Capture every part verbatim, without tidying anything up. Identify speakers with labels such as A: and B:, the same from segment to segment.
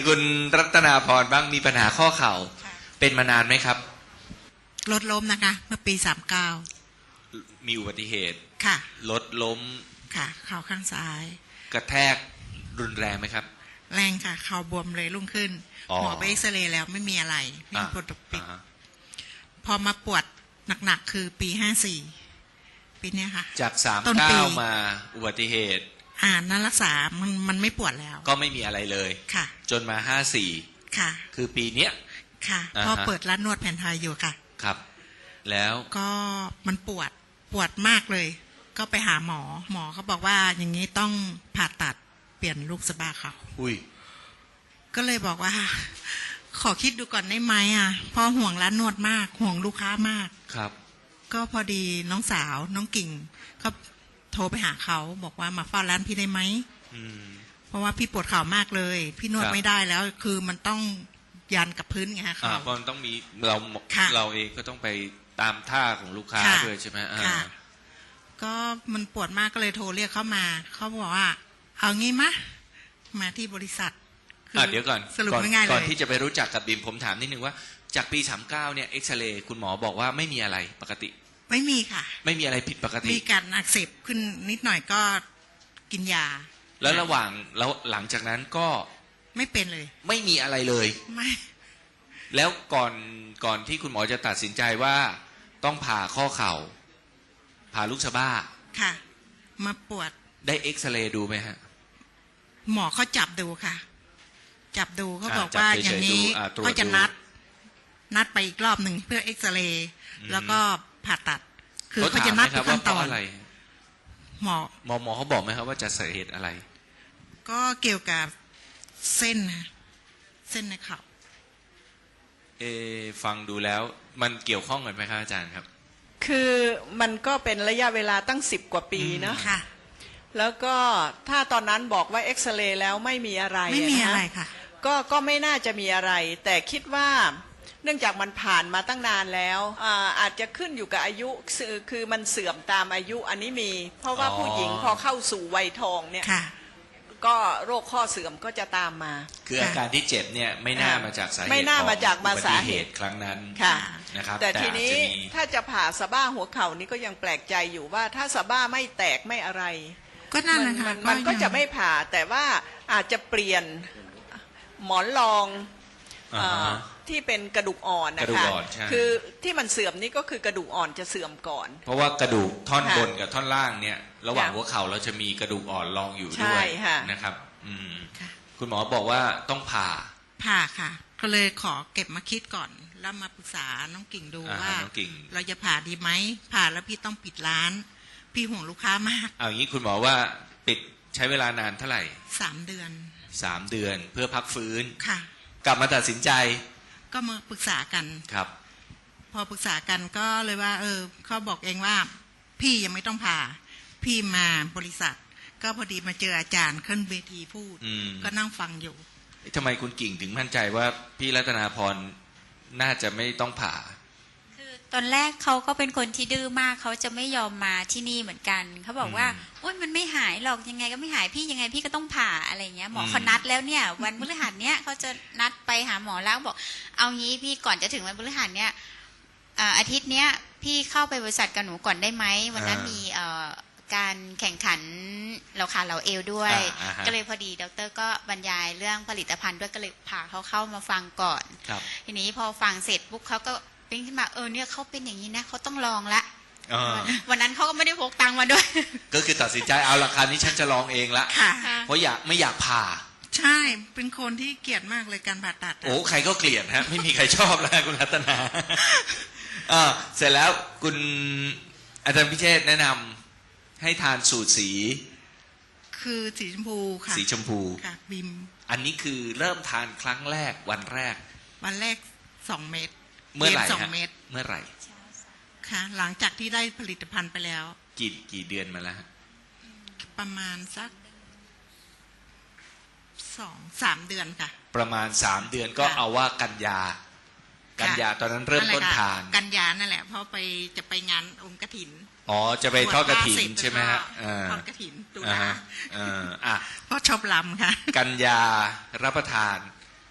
A: คุณรัตนาพรบ้างมีปัญหาข้อเข่าเป็นมานานไหมครับ
B: รถล้มนะคะเมื่อปีสามเก้า
A: มีอุบัติเหตุ
B: ค่ะ
A: รถล้ม
B: ค่ะเข่าข้างซ้าย
A: กระแทกรุนแรงไหมครับ
B: แรงค่ะเข่าบวมเลยรุ่งขึ้นหมอไปเอ็กซเรย์แล้วไม่มีอะไรไม่มีปวดปิดพอมาปวดหนักๆคือปีห้าสี่ปีนี้ค่ะ
A: จากสามเก้ามาอุบัติเหตุ
B: อ่านั้นรักษามันมันไม่ปวดแล้ว
A: ก็ไม่มีอะไรเลย
B: ค่ะ
A: จนมาห้าสี่
B: ค่ะ
A: คือปีเนี้ย
B: ค่ะพอเปิดร้านนวดแผนไทยอยู่ค่ะ
A: ครับแล้ว
B: ก็มันปวดปวดมากเลยก็ไปหาหมอหมอเขาบอกว่าอย่างนี้ต้องผ่าตัดเปลี่ยนลูกสะบ้าเขา
A: อุ้ย
B: ก็เลยบอกว่าขอคิดดูก่อนได้ไหมอ่ะเพราะห่วงร้านนวดมากห่วงลูกค้ามาก
A: ครับ
B: ก็พอดีน้องสาวน้องกิ่งเขาโทรไปหาเขาบอกว่ามาเฝ้าร้านพี่ได้ไหมเพราะว่าพี่ปวดเข่ามากเลยพี่นวดไม่ได้แล้วคือมันต้องยันกับพื้นไงคะ
A: เพราะมันต้องมีเราเราเองก็ต้องไปตามท่าของลูกค้าด้วยใช่ไหม
B: ค่ะก็มันปวดมากก็เลยโทรเรียกเขามาเขาบอกว่าเอางี้มะมาที่บริษัท
A: เดี๋ยวก่อน
B: สรุปง่ายๆเลย
A: ก่อนที่จะไปรู้จักกับบิมผมถามนิดนึงว่าจากปีสามเก้าเนี่ยเอ็กซเรย์คุณหมอบอกว่าไม่มีอะไรปกติ
B: ไม่มีค่ะ
A: ไม่มีอะไรผิดปกติ
B: มีการอักเสบขึ้นนิดหน่อยก็กินยา
A: แล้วระหว่างแล้วหลังจากนั้นก็
B: ไม่เป็นเลย
A: ไม่มีอะไรเลย
B: ไม่
A: แล้วก่อนก่อนที่คุณหมอจะตัดสินใจว่าต้องผ่าข้อเข่าผ่าลูกสะบ้า
B: ค่ะมาปวด
A: ได้เอ็กซเรย์ดูไหมฮะ
B: หมอเขาจับดูค่ะจับดูเขาบอกว่าอย่างนี้ก็จะนัดนัดไปอีกรอบหนึ่งเพื่อเอ็กซเรย์แล้วก็ผ่าตัดคือเขาจะนัดทุกขั้นตอนหมอ
A: หมอหมอเขาบอกไหมครับว่าจะสาเหตุอะไร
B: ก็เกี่ยวกับเส้นนะเส้นในเข่า
A: เอฟังดูแล้วมันเกี่ยวข้องกันไหมครับอาจารย์ครับ
C: คือมันก็เป็นระยะเวลาตั้งสิบกว่าปีนะ
B: ค่ะ
C: แล้วก็ถ้าตอนนั้นบอกว่าเอ็กซเรย์แล้วไม่มีอะไร
B: ไม่มีอะไรค่ะ
C: ก็ก็ไม่น่าจะมีอะไรแต่คิดว่าเนื่องจากมันผ่านมาตั้งนานแล้วอาอาจจะขึ้นอยู่กับอายุคือมันเสื่อมตามอายุอันนี้มีเพราะว่าผู้หญิงพอเข้าสู่วัยทองเนี่ยก็โรคข้อเสื่อมก็จะตามมา
A: คืออาการที่เจ็บเนี่ยไม่น่ามาจากสาเหตุ
C: ไม่น่ามาจากมาสาเหตุ
A: ครั้งนั้นนะครับ
C: แต่ทีนี้ถ้าจะผ่าสะบ้าหัวเข่านี่ก็ยังแปลกใจอยู่ว่าถ้าสะบ้าไม่แตกไม่อะไร
B: ก็นั่นแหละค่ะ
C: มันก็จะไม่ผ่าแต่ว่าอาจจะเปลี่ยนหมอนรองที่เป็นกระดูกอ่อนนะคะคือที่มันเสื่อมนี่ก็คือกระดูกอ่อนจะเสื่อมก่อน
A: เพราะว่ากระดูกท่อนบนกับท่อนล่างเนี่ยระหว่างหัวเข่าเราจะมีกระดูกอ่อนรองอยู่ด้วยนะครับคุณหมอบอกว่าต้องผ่า
B: ผ่าค่ะก็เลยขอเก็บมาคิดก่อนแล้วมาปรึกษาน้องกิ่งดูว่าเราจะผ่าดีไหมผ่าแล้วพี่ต้องปิดร้านพี่ห่วงลูกค้ามาก
A: เอางี้คุณหมอว่าปิดใช้เวลานานเท่าไหร่
B: สามเดือน
A: สามเดือนเพื่อพักฟื้น
B: ค่ะ
A: กลับมาตัดสินใจ
B: ก็มาปรึกษากัน
A: ครับ
B: พอปรึกษากันก็เลยว่าเออเขาบอกเองว่าพี่ยังไม่ต้องผ่าพี่มาบริษัทก็พอดีมาเจออาจารย์ขึ้นเวทีพูดก็นั่งฟังอยู่
A: ทำไมคุณกิ่งถึงมั่นใจว่าพี่รัตนาพรน่าจะไม่ต้องผ่า
D: คือตอนแรกเขาก็เป็นคนที่ดื้อมากเขาจะไม่ยอมมาที่นี่เหมือนกันเขาบอกว่าโอ๊ยมันไม่หายหรอกยังไงก็ไม่หายพี่ยังไงพี่ก็ต้องผ่าอะไรเงี้ยหมอเขานัดแล้วเนี่ยวันพฤหัสเนี้ยเขาจะนัดไปหาหมอแล้วบอกเอางี้พี่ก่อนจะถึงวันพฤหัสเนี้ยอาทิตย์เนี้ยพี่เข้าไปบริษัทกับหนูก่อนได้ไหมวันนั้นมีการแข่งขันเราขาเราเอวด้วยก็เลยพอดีดร.ก็บรรยายเรื่องผลิตภัณฑ์ด้วยก็เลยพาเขาเข้ามาฟังก่อนทีนี้พอฟังเสร็จปุ๊บเขาก็เป็นขึ้นมาเออเนี่ยเขาเป็นอย่างนี้นะเขาต้องลองละวันนั้นเขาก็ไม่ได้พกตังค์มาด้วย
A: ก็คือตัดสินใจเอาราคานี้ฉันจะลองเองละเพราะอยากไม่อยากผ่า
B: ใช่เป็นคนที่เกลียดมากเลยการผ่าตัด
A: โอ้ใครก็เกลียดฮะไม่มีใครชอบแล้วคุณรัตนาเสร็จแล้วคุณอาจารย์พิเชษแนะนำให้ทานสูตรสี
B: คือสีชมพูค่ะ
A: สีชมพู
B: ค่ะบิม
A: อันนี้คือเริ่มทานครั้งแรกวันแรก
B: วันแรกสองเม็ด
A: เมื่อไหร่
B: สองเม็ด
A: เมื่อไหร่
B: ค่ะหลังจากที่ได้ผลิตภัณฑ์ไปแล้ว
A: กี่กี่เดือนมาแล้ว
B: ประมาณสักสองสามเดือนค่ะ
A: ประมาณสามเดือนก็เอาว่ากันยากันยาตอนนั้นเริ่มต้นทาน
B: กันยานั่นแหละเพราะไปจะไปงานองค์กฐิน
A: อ๋อจะไปทอดกฐินใช่ไหมฮะ
B: ทอดกฐินตุลา
A: อ่าเพ
B: ราะชอบลำค่ะ
A: กันยารับประทาน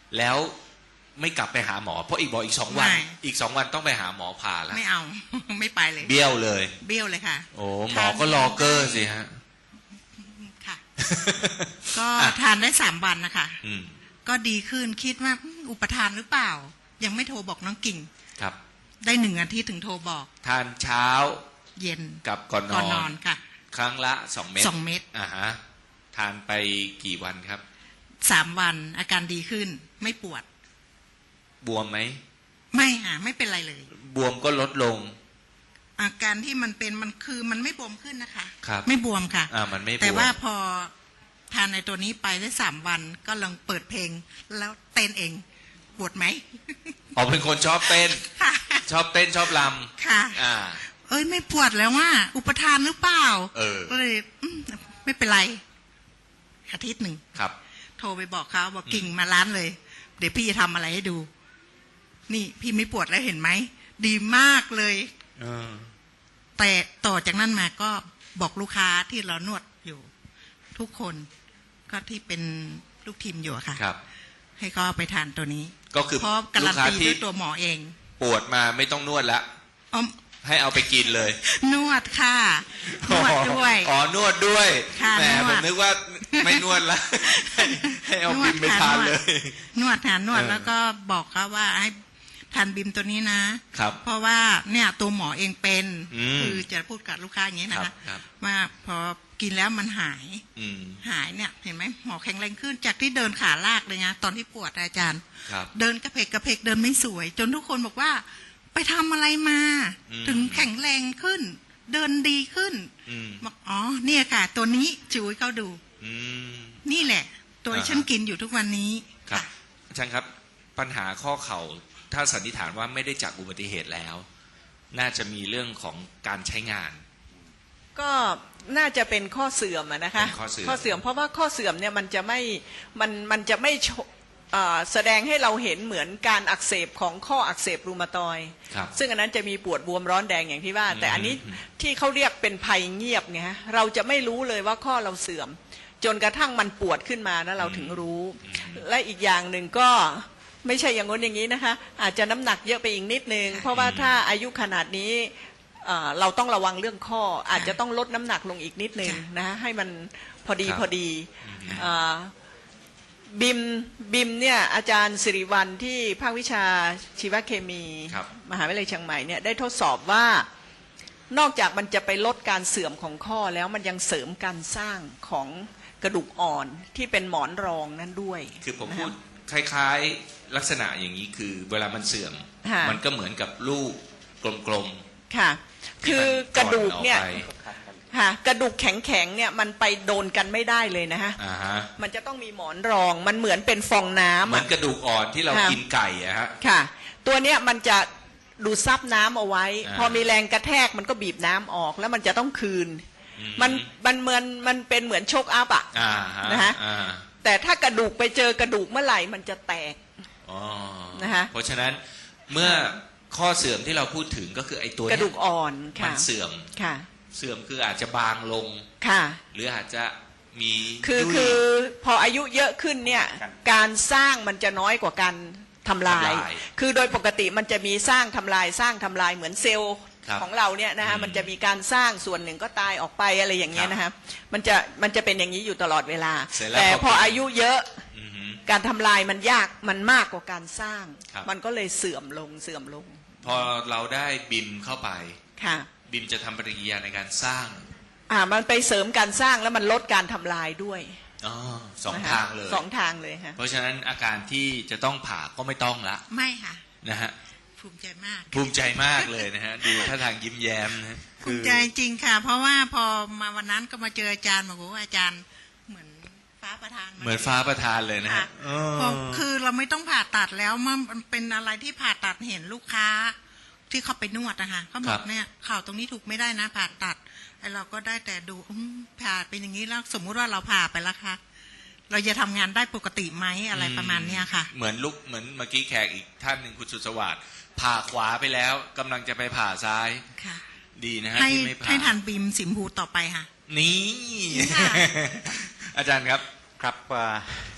A: แล้วไม่กลับไปหาหมอเพราะอีกบอกอีกสองวัน
B: ไม่
A: อีกสองวันต้องไปหาหมอผ่าแล้ว
B: ไม่เอา ไม่ไปเลย
A: เบี้ยวเลย
B: เบี้ยวเลยค่ะ
A: โอ้หมอก็รอเกอร์สิฮะ
B: ค่ะ ก็ทานได้สามวันนะคะ
A: อืม
B: ก็ดีขึ้นคิดว่าอืมอุปทานหรือเปล่า ยังไม่โทรบอกน้องกิ่ง
A: ครับ
B: ได้หนึ่งอาทิตย์ถึงโทรบอก
A: ทานเช้า
B: เย็น
A: กับก่อนน
B: ก่อน
A: อน
B: นอนค่ะ
A: ครั้งละสองเม็ด
B: สองเม็ด
A: อ่าฮะทานไปกี่วันครับ
B: สามวันอาการดีขึ้น ไม่ปวด
A: บวมไหม
B: ไม่ค่ะไม่เป็นไรเลย
A: บวมก็ลดลง
B: อาการที่มันเป็นมันคือมันไม่บวมขึ้นนะคะ
A: ครับ
B: ไม่บวมค่ะ
A: อ่ามันไม่บวม
B: แต่ว่าพอทานในตัวนี้ไปได้สามวันก็ลองเปิดเพลง แล้วเต้นเองปวดไหม
A: อ๋อเป็นคนชอบเต้น
B: ค่ะ
A: ชอบเต้นชอบล
B: ค่ะ
A: ำอ่า
B: เอ้ยไม่ปวดแล้วว่า อุปทานหรือเปล่า
A: เออ
B: ก็เลยอืมไม่เป็นไรอาทิตย์หนึ่ง
A: ครับ
B: โทรไปบอกเขาบอกกิ่งมาร้านเลย เดี๋ยวพี่จะทำอะไรให้ดู นี่พี่ไม่ปวดแล้วเห็นไหม ดีมากเลย
A: เออ
B: แต่ต่อจากนั้นมาก็บอกลูกค้าที่เรานวดอยู่ ทุกคนก็ที่เป็นลูกทีมอยู่อะค่ะ
A: ครับ
B: ให้เขาเอาไปทานตัวนี้
A: ก็คือ
B: เพราะการั
A: ลู
B: น
A: กค้า
B: ตี
A: ที่
B: ด้วยตัวหมอเอง
A: ปวดมาไม่ต้องนวดละ
B: อ๋อ
A: ให้เอาไปกินเลย
B: นวดค่ะ นวดด้วย
A: อ๋อนวดด้วย
B: ค่ะ
A: แหม
B: นวด
A: ผมนึกว่าไม่นวดละ ให้ให้เอาบิมไปทานเลย
B: นวดทานนวด
A: เออ
B: แล้วก็บอกเขาว่าให้ทานบิมตัวนี้นะ
A: ครับ
B: เพราะว่าเนี่ยตัวหมอเองเป็น
A: อืม
B: คือจะพูดกับลูกค้าอย่างนี้นะ
A: ครั
B: คะ
A: บครับ
B: ว่าพอกินแล้วมันหาย
A: อืม
B: หายเนี่ยเห็นไหมหมอแข็งแรงขึ้นจากที่เดินขาลากเลยนะตอนที่ปวดอาจารย์
A: ครับ
B: เดินกระเพกกระเพกเดินไม่สวย จนทุกคนบอกว่า ไปทำอะไรมา
A: อืม
B: ถึงแข็งแรงขึ้น เดินดีขึ้น
A: อืม
B: บอกอ๋อเนี่ยค่ะ ตัวนี้จูให้เขาดู
A: อืม
B: นี่แหละ ตัวที่
A: อ่าฮะ
B: ฉันกินอยู่ทุกวันนี้
A: ครับอาจารย์ครับปัญหาข้อเข่าถ้าสันนิษฐานว่าไม่ได้จากอุบัติเหตุแล้ว น่าจะมีเรื่องของการใช้งาน
C: ก็น่าจะเป็นข้อเสื่อมอะนะคะ
A: เป็นข้อเสื่อม
C: ข้อเสื่อมเพราะว่าข้อเสื่อมเนี่ยมันจะไม่มันมันจะไม่โชเอ่อแสดงให้เราเห็นเหมือนการอักเสบของข้ออักเสบรูมาตอยด์
A: ครับ
C: ซึ่งอันนั้นจะมีปวดบวมร้อนแดงอย่างที่ว่า
A: อืม
C: แต่อันนี้ที่เขาเรียกเป็นภัยเงียบไงฮะเราจะไม่รู้เลยว่าข้อเราเสื่อม จนกระทั่งมันปวดขึ้นมาแล้วเราถึงรู้ และอีกอย่างหนึ่งก็ไม่ใช่อย่างง้นอย่างนี้นะคะอาจจะน้ำหนักเยอะไปอีกนิดนึงเพราะว่าถ้าอายุขนาดนี้เอ่อเราต้องระวังเรื่องข้อ อาจจะต้องลดน้ำหนักลงอีกนิดนึงนะฮะให้มันพอดี
A: ครับ
C: พอดีเอ่อบิมบิมเนี่ยอาจารย์สิริวัลที่ภาควิชาชีวเคมี
A: ครับ
C: มหาวิทยาลัยเชียงใหม่เนี่ยได้ทดสอบว่านอกจากมันจะไปลดการเสื่อมของข้อแล้วมันยังเสริมการสร้างของกระดูกอ่อนที่เป็นหมอนรองนั้นด้วย
A: คือผม
C: นะ
A: พู
C: ฮะ
A: ดคล้ายๆลักษณะอย่างนี้คือเวลามันเสื่อม
C: ค่ะ
A: มันก็เหมือนกับลูกกลม
C: ค่ะ
A: ๆ
C: คื
A: ที่
C: อ
A: มัน
C: กระดูกเนี่ย
A: ออไป
C: ค่ะกระดูกแข็งๆเนี่ยมันไปโดนกันไม่ได้เลยนะฮะ
A: อ่าฮะ
C: มันจะต้องมีหมอนรองมันเหมือนเป็นฟองน้ำ
A: เหมือน
C: อะ
A: กระดูกอ่อนที่เรา
C: ค่ะ
A: กินไก่อะฮะ
C: ค่ะ ตัวเนี้ยมันจะดูดซับน้ำเอาไว้
A: อ่า
C: พอมีแรงกระแทกมันก็บีบน้ำออกแล้วมันจะต้องคืน
A: อื
C: มันมันเหมือนมันเป็นเหมือนโชกอัพอะ
A: อ่าฮะ
C: นะฮะ
A: อ่า
C: แต่ถ้ากระดูกไปเจอกระดูกเมื่อไหร่มันจะแตก
A: อ๋อ
C: นะฮะ
A: เพราะฉะนั้นเมื่อข้อเสื่อมที่เราพูดถึงก็คือไอ้ตัว
C: ก
A: เนี้
C: ระดูกอ่อน
A: มั
C: ค่ะ
A: นเสื่อม
C: ค่ะ
A: เสื่อมคืออาจจะบางลง
C: ค่ะ
A: หรืออาจจะมี
C: คือ
A: ยุ่ย
C: คือพออายุเยอะขึ้นเนี่ยการสร้างมันจะน้อยกว่าการทำลาย
A: ทำลาย
C: คือโดยปกติมันจะมีสร้างทำลายสร้างทำลายเหมือนเซลล์
A: ครับ
C: ของเราเนี่ยนะฮะ
A: อืม
C: มันจะมีการสร้างส่วนหนึ่งก็ตายออกไปอะไรอย่างเงี้ยนะฮะมันจะมันจะเป็นอย่างนี้อยู่ตลอดเวลา
A: เสร็จแล้ว
C: แต่
A: พอ
C: พออายุเยอะ
A: อือหือ
C: การทำลายมันยากมันมากกว่าการสร้าง
A: ครับ
C: มันก็เลยเสื่อมลงเสื่อมลง
A: พอเราได้บิมเข้าไป
C: ค่ะ
A: บิมจะทำปฏิกิริยาในการสร้าง
C: อ่ามันไปเสริมการสร้างแล้วมันลดการทำลายด้วย
A: อ๋อสอง
C: นะคะ
A: ทางเลย
C: สองทางเลยค่ะ
A: เพราะฉะนั้นอาการที่จะต้องผ่าก็ไม่ต้องละ
B: ไม่ค่ะ
A: นะฮะ
B: ภูมิใจมาก
A: ภูมิใจมากเลยนะฮะ ดูท่าทางยิ้มแย้มนะฮะ
B: ภูมิใจจริงค่ะ เพราะว่าพอมาวันนั้นก็มาเจออาจารย์บอกว่าอาจารย์เหมือนฟ้าประทาน
A: เหมือนฟ้าประทานเลยนะ
B: ค่ะ
A: ฮะอ๋อ
B: พอคือเราไม่ต้องผ่าตัดแล้วมันเป็นอะไรที่ผ่าตัดเห็นลูกค้า ที่เขาไปนวดนะคะเขาบอกเนี่ยข่าวตรงนี้ถูกไม่ได้นะผ่าตัดไอเราก็ได้แต่ดูอืมผ่าเป็นอย่างนี้แล้วสมมุติว่าเราผ่าไปแล้วค่ะ เราจะทำงานได้ปกติไหมอะไรประมาณเนี้ยค่ะ
A: เหมือนลุกเหมือนเมื่อกี้แขกอีกท่านหนึ่งคุณสุสวัสดิ์ผ่าขวาไปแล้วกำลังจะไปผ่าซ้าย
B: ค่ะ
A: ดีนะฮะ
B: ให้
A: ที่ไม่ผ่า
B: ให้ทันบีมสิมพูต่อไปค่ะ
A: นี่
B: ค่ะ
A: อาจารย์ครับ
E: ครับว่า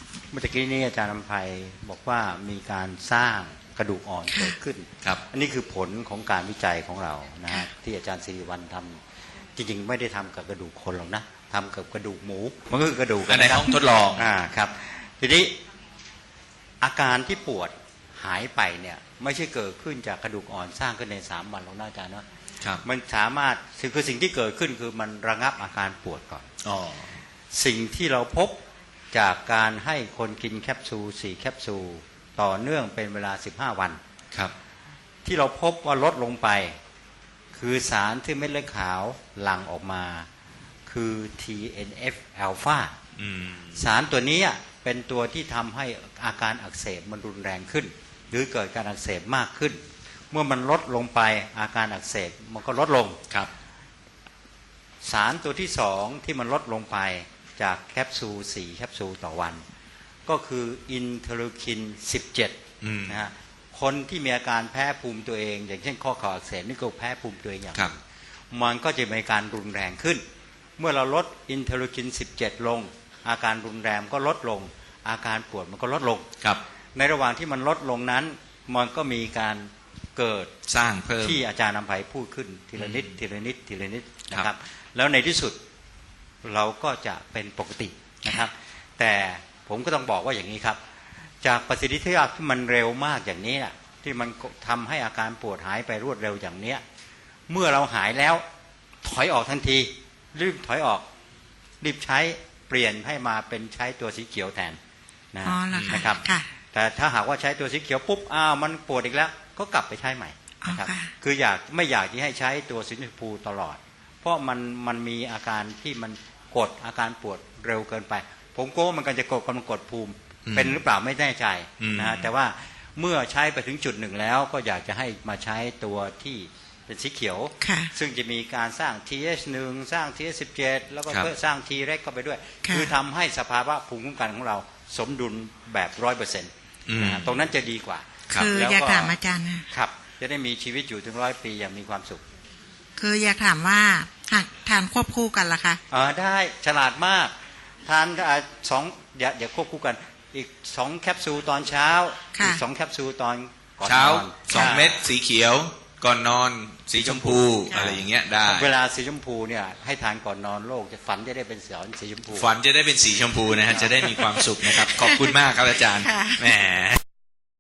E: เมื่อกี้นี้อาจารย์อำไพบอกว่ามีการสร้างกระดูกอ่อนเกิดขึ้น
A: ครับ
E: อันนี้คือผลของการวิจัยของเรานะฮะที่อาจารย์สิริวัลย์ทำจริงๆไม่ได้ทำกับกระดูกคนหรอกนะทำกับกระดูกหมูมันก็คือกระดูก
A: อันในห้องทดลอง
E: อ่าครับทีนี้อาการที่ปวดหายไปเนี่ยไม่ใช่เกิดขึ้นจากกระดูกอ่อนสร้างขึ้นในสามวันหรอกนะอาจารย์นะครับ มันสามารถคือสิ่งที่เกิดขึ้นคือมันระงับอาการปวดก่อน
A: อ๋อ
E: สิ่งที่เราพบจากการให้คนกินแคปซูลสี่แคปซูลต่อเนื่องเป็นเวลาสิบห้าวัน
A: ครับ
E: ที่เราพบว่าลดลงไปคือสารที่เม็ดเลือดขาวหลั่งออกมาคือ ที เอ็น เอฟ alpha
A: อืม
E: สารตัวนี้เป็นตัวที่ทำให้อาการอักเสบมันรุนแรงขึ้น หรือเกิดการอักเสบมากขึ้น เมื่อมันลดลงไปอาการอักเสบมันก็ลดลง
A: ครับ
E: สารตัวที่สองที่มันลดลงไปจากแคปซูลสี่แคปซูลต่อวัน ก็คืออินเทอร์คินสิบเจ็ด
A: อืม
E: นะฮะคนที่มีอาการแพ้ภูมิตัวเอง อย่างเช่นข้อเข่าอักเสบนี่ก็แพ้ภูมิตัวเองอย่าง
A: ครับ
E: มันก็จะมีการรุนแรงขึ้น เมื่อเราลดอินเทอร์คินสิบเจ็ดลง อาการรุนแรงก็ลดลง อาการปวดมันก็ลดลง
A: ครับ
E: ในระหว่างที่มันลดลงนั้นมันก็มีการเกิด
A: สร้างเพิ่ม
E: ที่อาจารย์นำไผ่พูดขึ้นทีละนิด
A: อืม
E: ทีละนิดทีละนิดนะค
A: ครั
E: รับ
A: บ
E: แล้วในที่สุดเราก็จะเป็นปกตินะครับ แต่ผมก็ต้องบอกว่าอย่างนี้ครับ จากประสิทธิภาพที่มันเร็วมากอย่างนี้นะที่มันทำให้อาการปวดหายไปรวดเร็วอย่างเนี้ยเมื่อเราหายแล้วถอยออกทันทีรีบถอยออกรีบใช้เปลี่ยนให้มาเป็นใช้ตัวสีเขียวแทนนะ
B: อ๋อเหรอคะ
E: นะครับ
B: ค่ะ
E: แต่ถ้าหากว่าใช้ตัวสีเขียวปุ๊บอ้าวมันปวดอีกแล้วก็กลับไปใช้ใหม่นะครับ
B: อ๋อค่ะ
E: คืออยากไม่อยากที่ให้ใช้ตัวสีชมพูตลอด เพราะมันมันมีอาการที่มันกดอาการปวดเร็วเกินไป ผมกลัวว่ามันก็จะกดกำลังกดภูมิ
A: อืม
E: เป็นหรือเปล่าไม่แน่ใจ
A: อืม
E: นะฮะแต่ว่าเมื่อใช้ไปถึงจุดหนึ่งแล้วก็อยากจะให้มาใช้ตัวที่เป็นสีเขียว
B: ค่ะ
E: ซึ่งจะมีการสร้าง ที เอช หนึ่ง สร้าง ที เอช สิบเจ็ด แล้วก็
A: ครับ
E: เพิ่มสร้าง T เร็กเข้าไปด้วย
B: ค่ะ
E: คือทำให้สภาวะภูมิคุ้มกันของเราสมดุลแบบร้อยเปอร์เซ็นต์
A: อืม
E: ตรงนั้นจะดีกว่า
A: ครับ
B: คือ
E: แล้วก็
B: อยากถามอาจารย์นะ
E: ครับ จะได้มีชีวิตอยู่ถึงร้อยปีอย่างมีความสุข
B: คืออยากถามว่าหากทานควบคู่กันล่ะคะ
E: อ่าได้ฉลาดมาก ทานอ่าสองอย่าอย่าควบคู่กัน อีกสองแคปซูลตอนเช้า
B: ค่ะ
E: อีกสองแคปซูลตอนก่อนน
A: เช้า
E: อน
A: สองเม็ดสีเขียว ก่อนนอนสีชมพู
E: ค่ะ
A: อะไรอย่างเงี้ยได้
E: เวลาสีชมพูเนี่ยให้ทานก่อนนอนโลกจะฝันจะได้เป็นสีสีชมพู
A: ฝันจะได้เป็นสีชมพูนะฮะจะได้มีความสุขนะครับ ขอบคุณมากครับอาจารย์
B: ค่ะ
A: แหม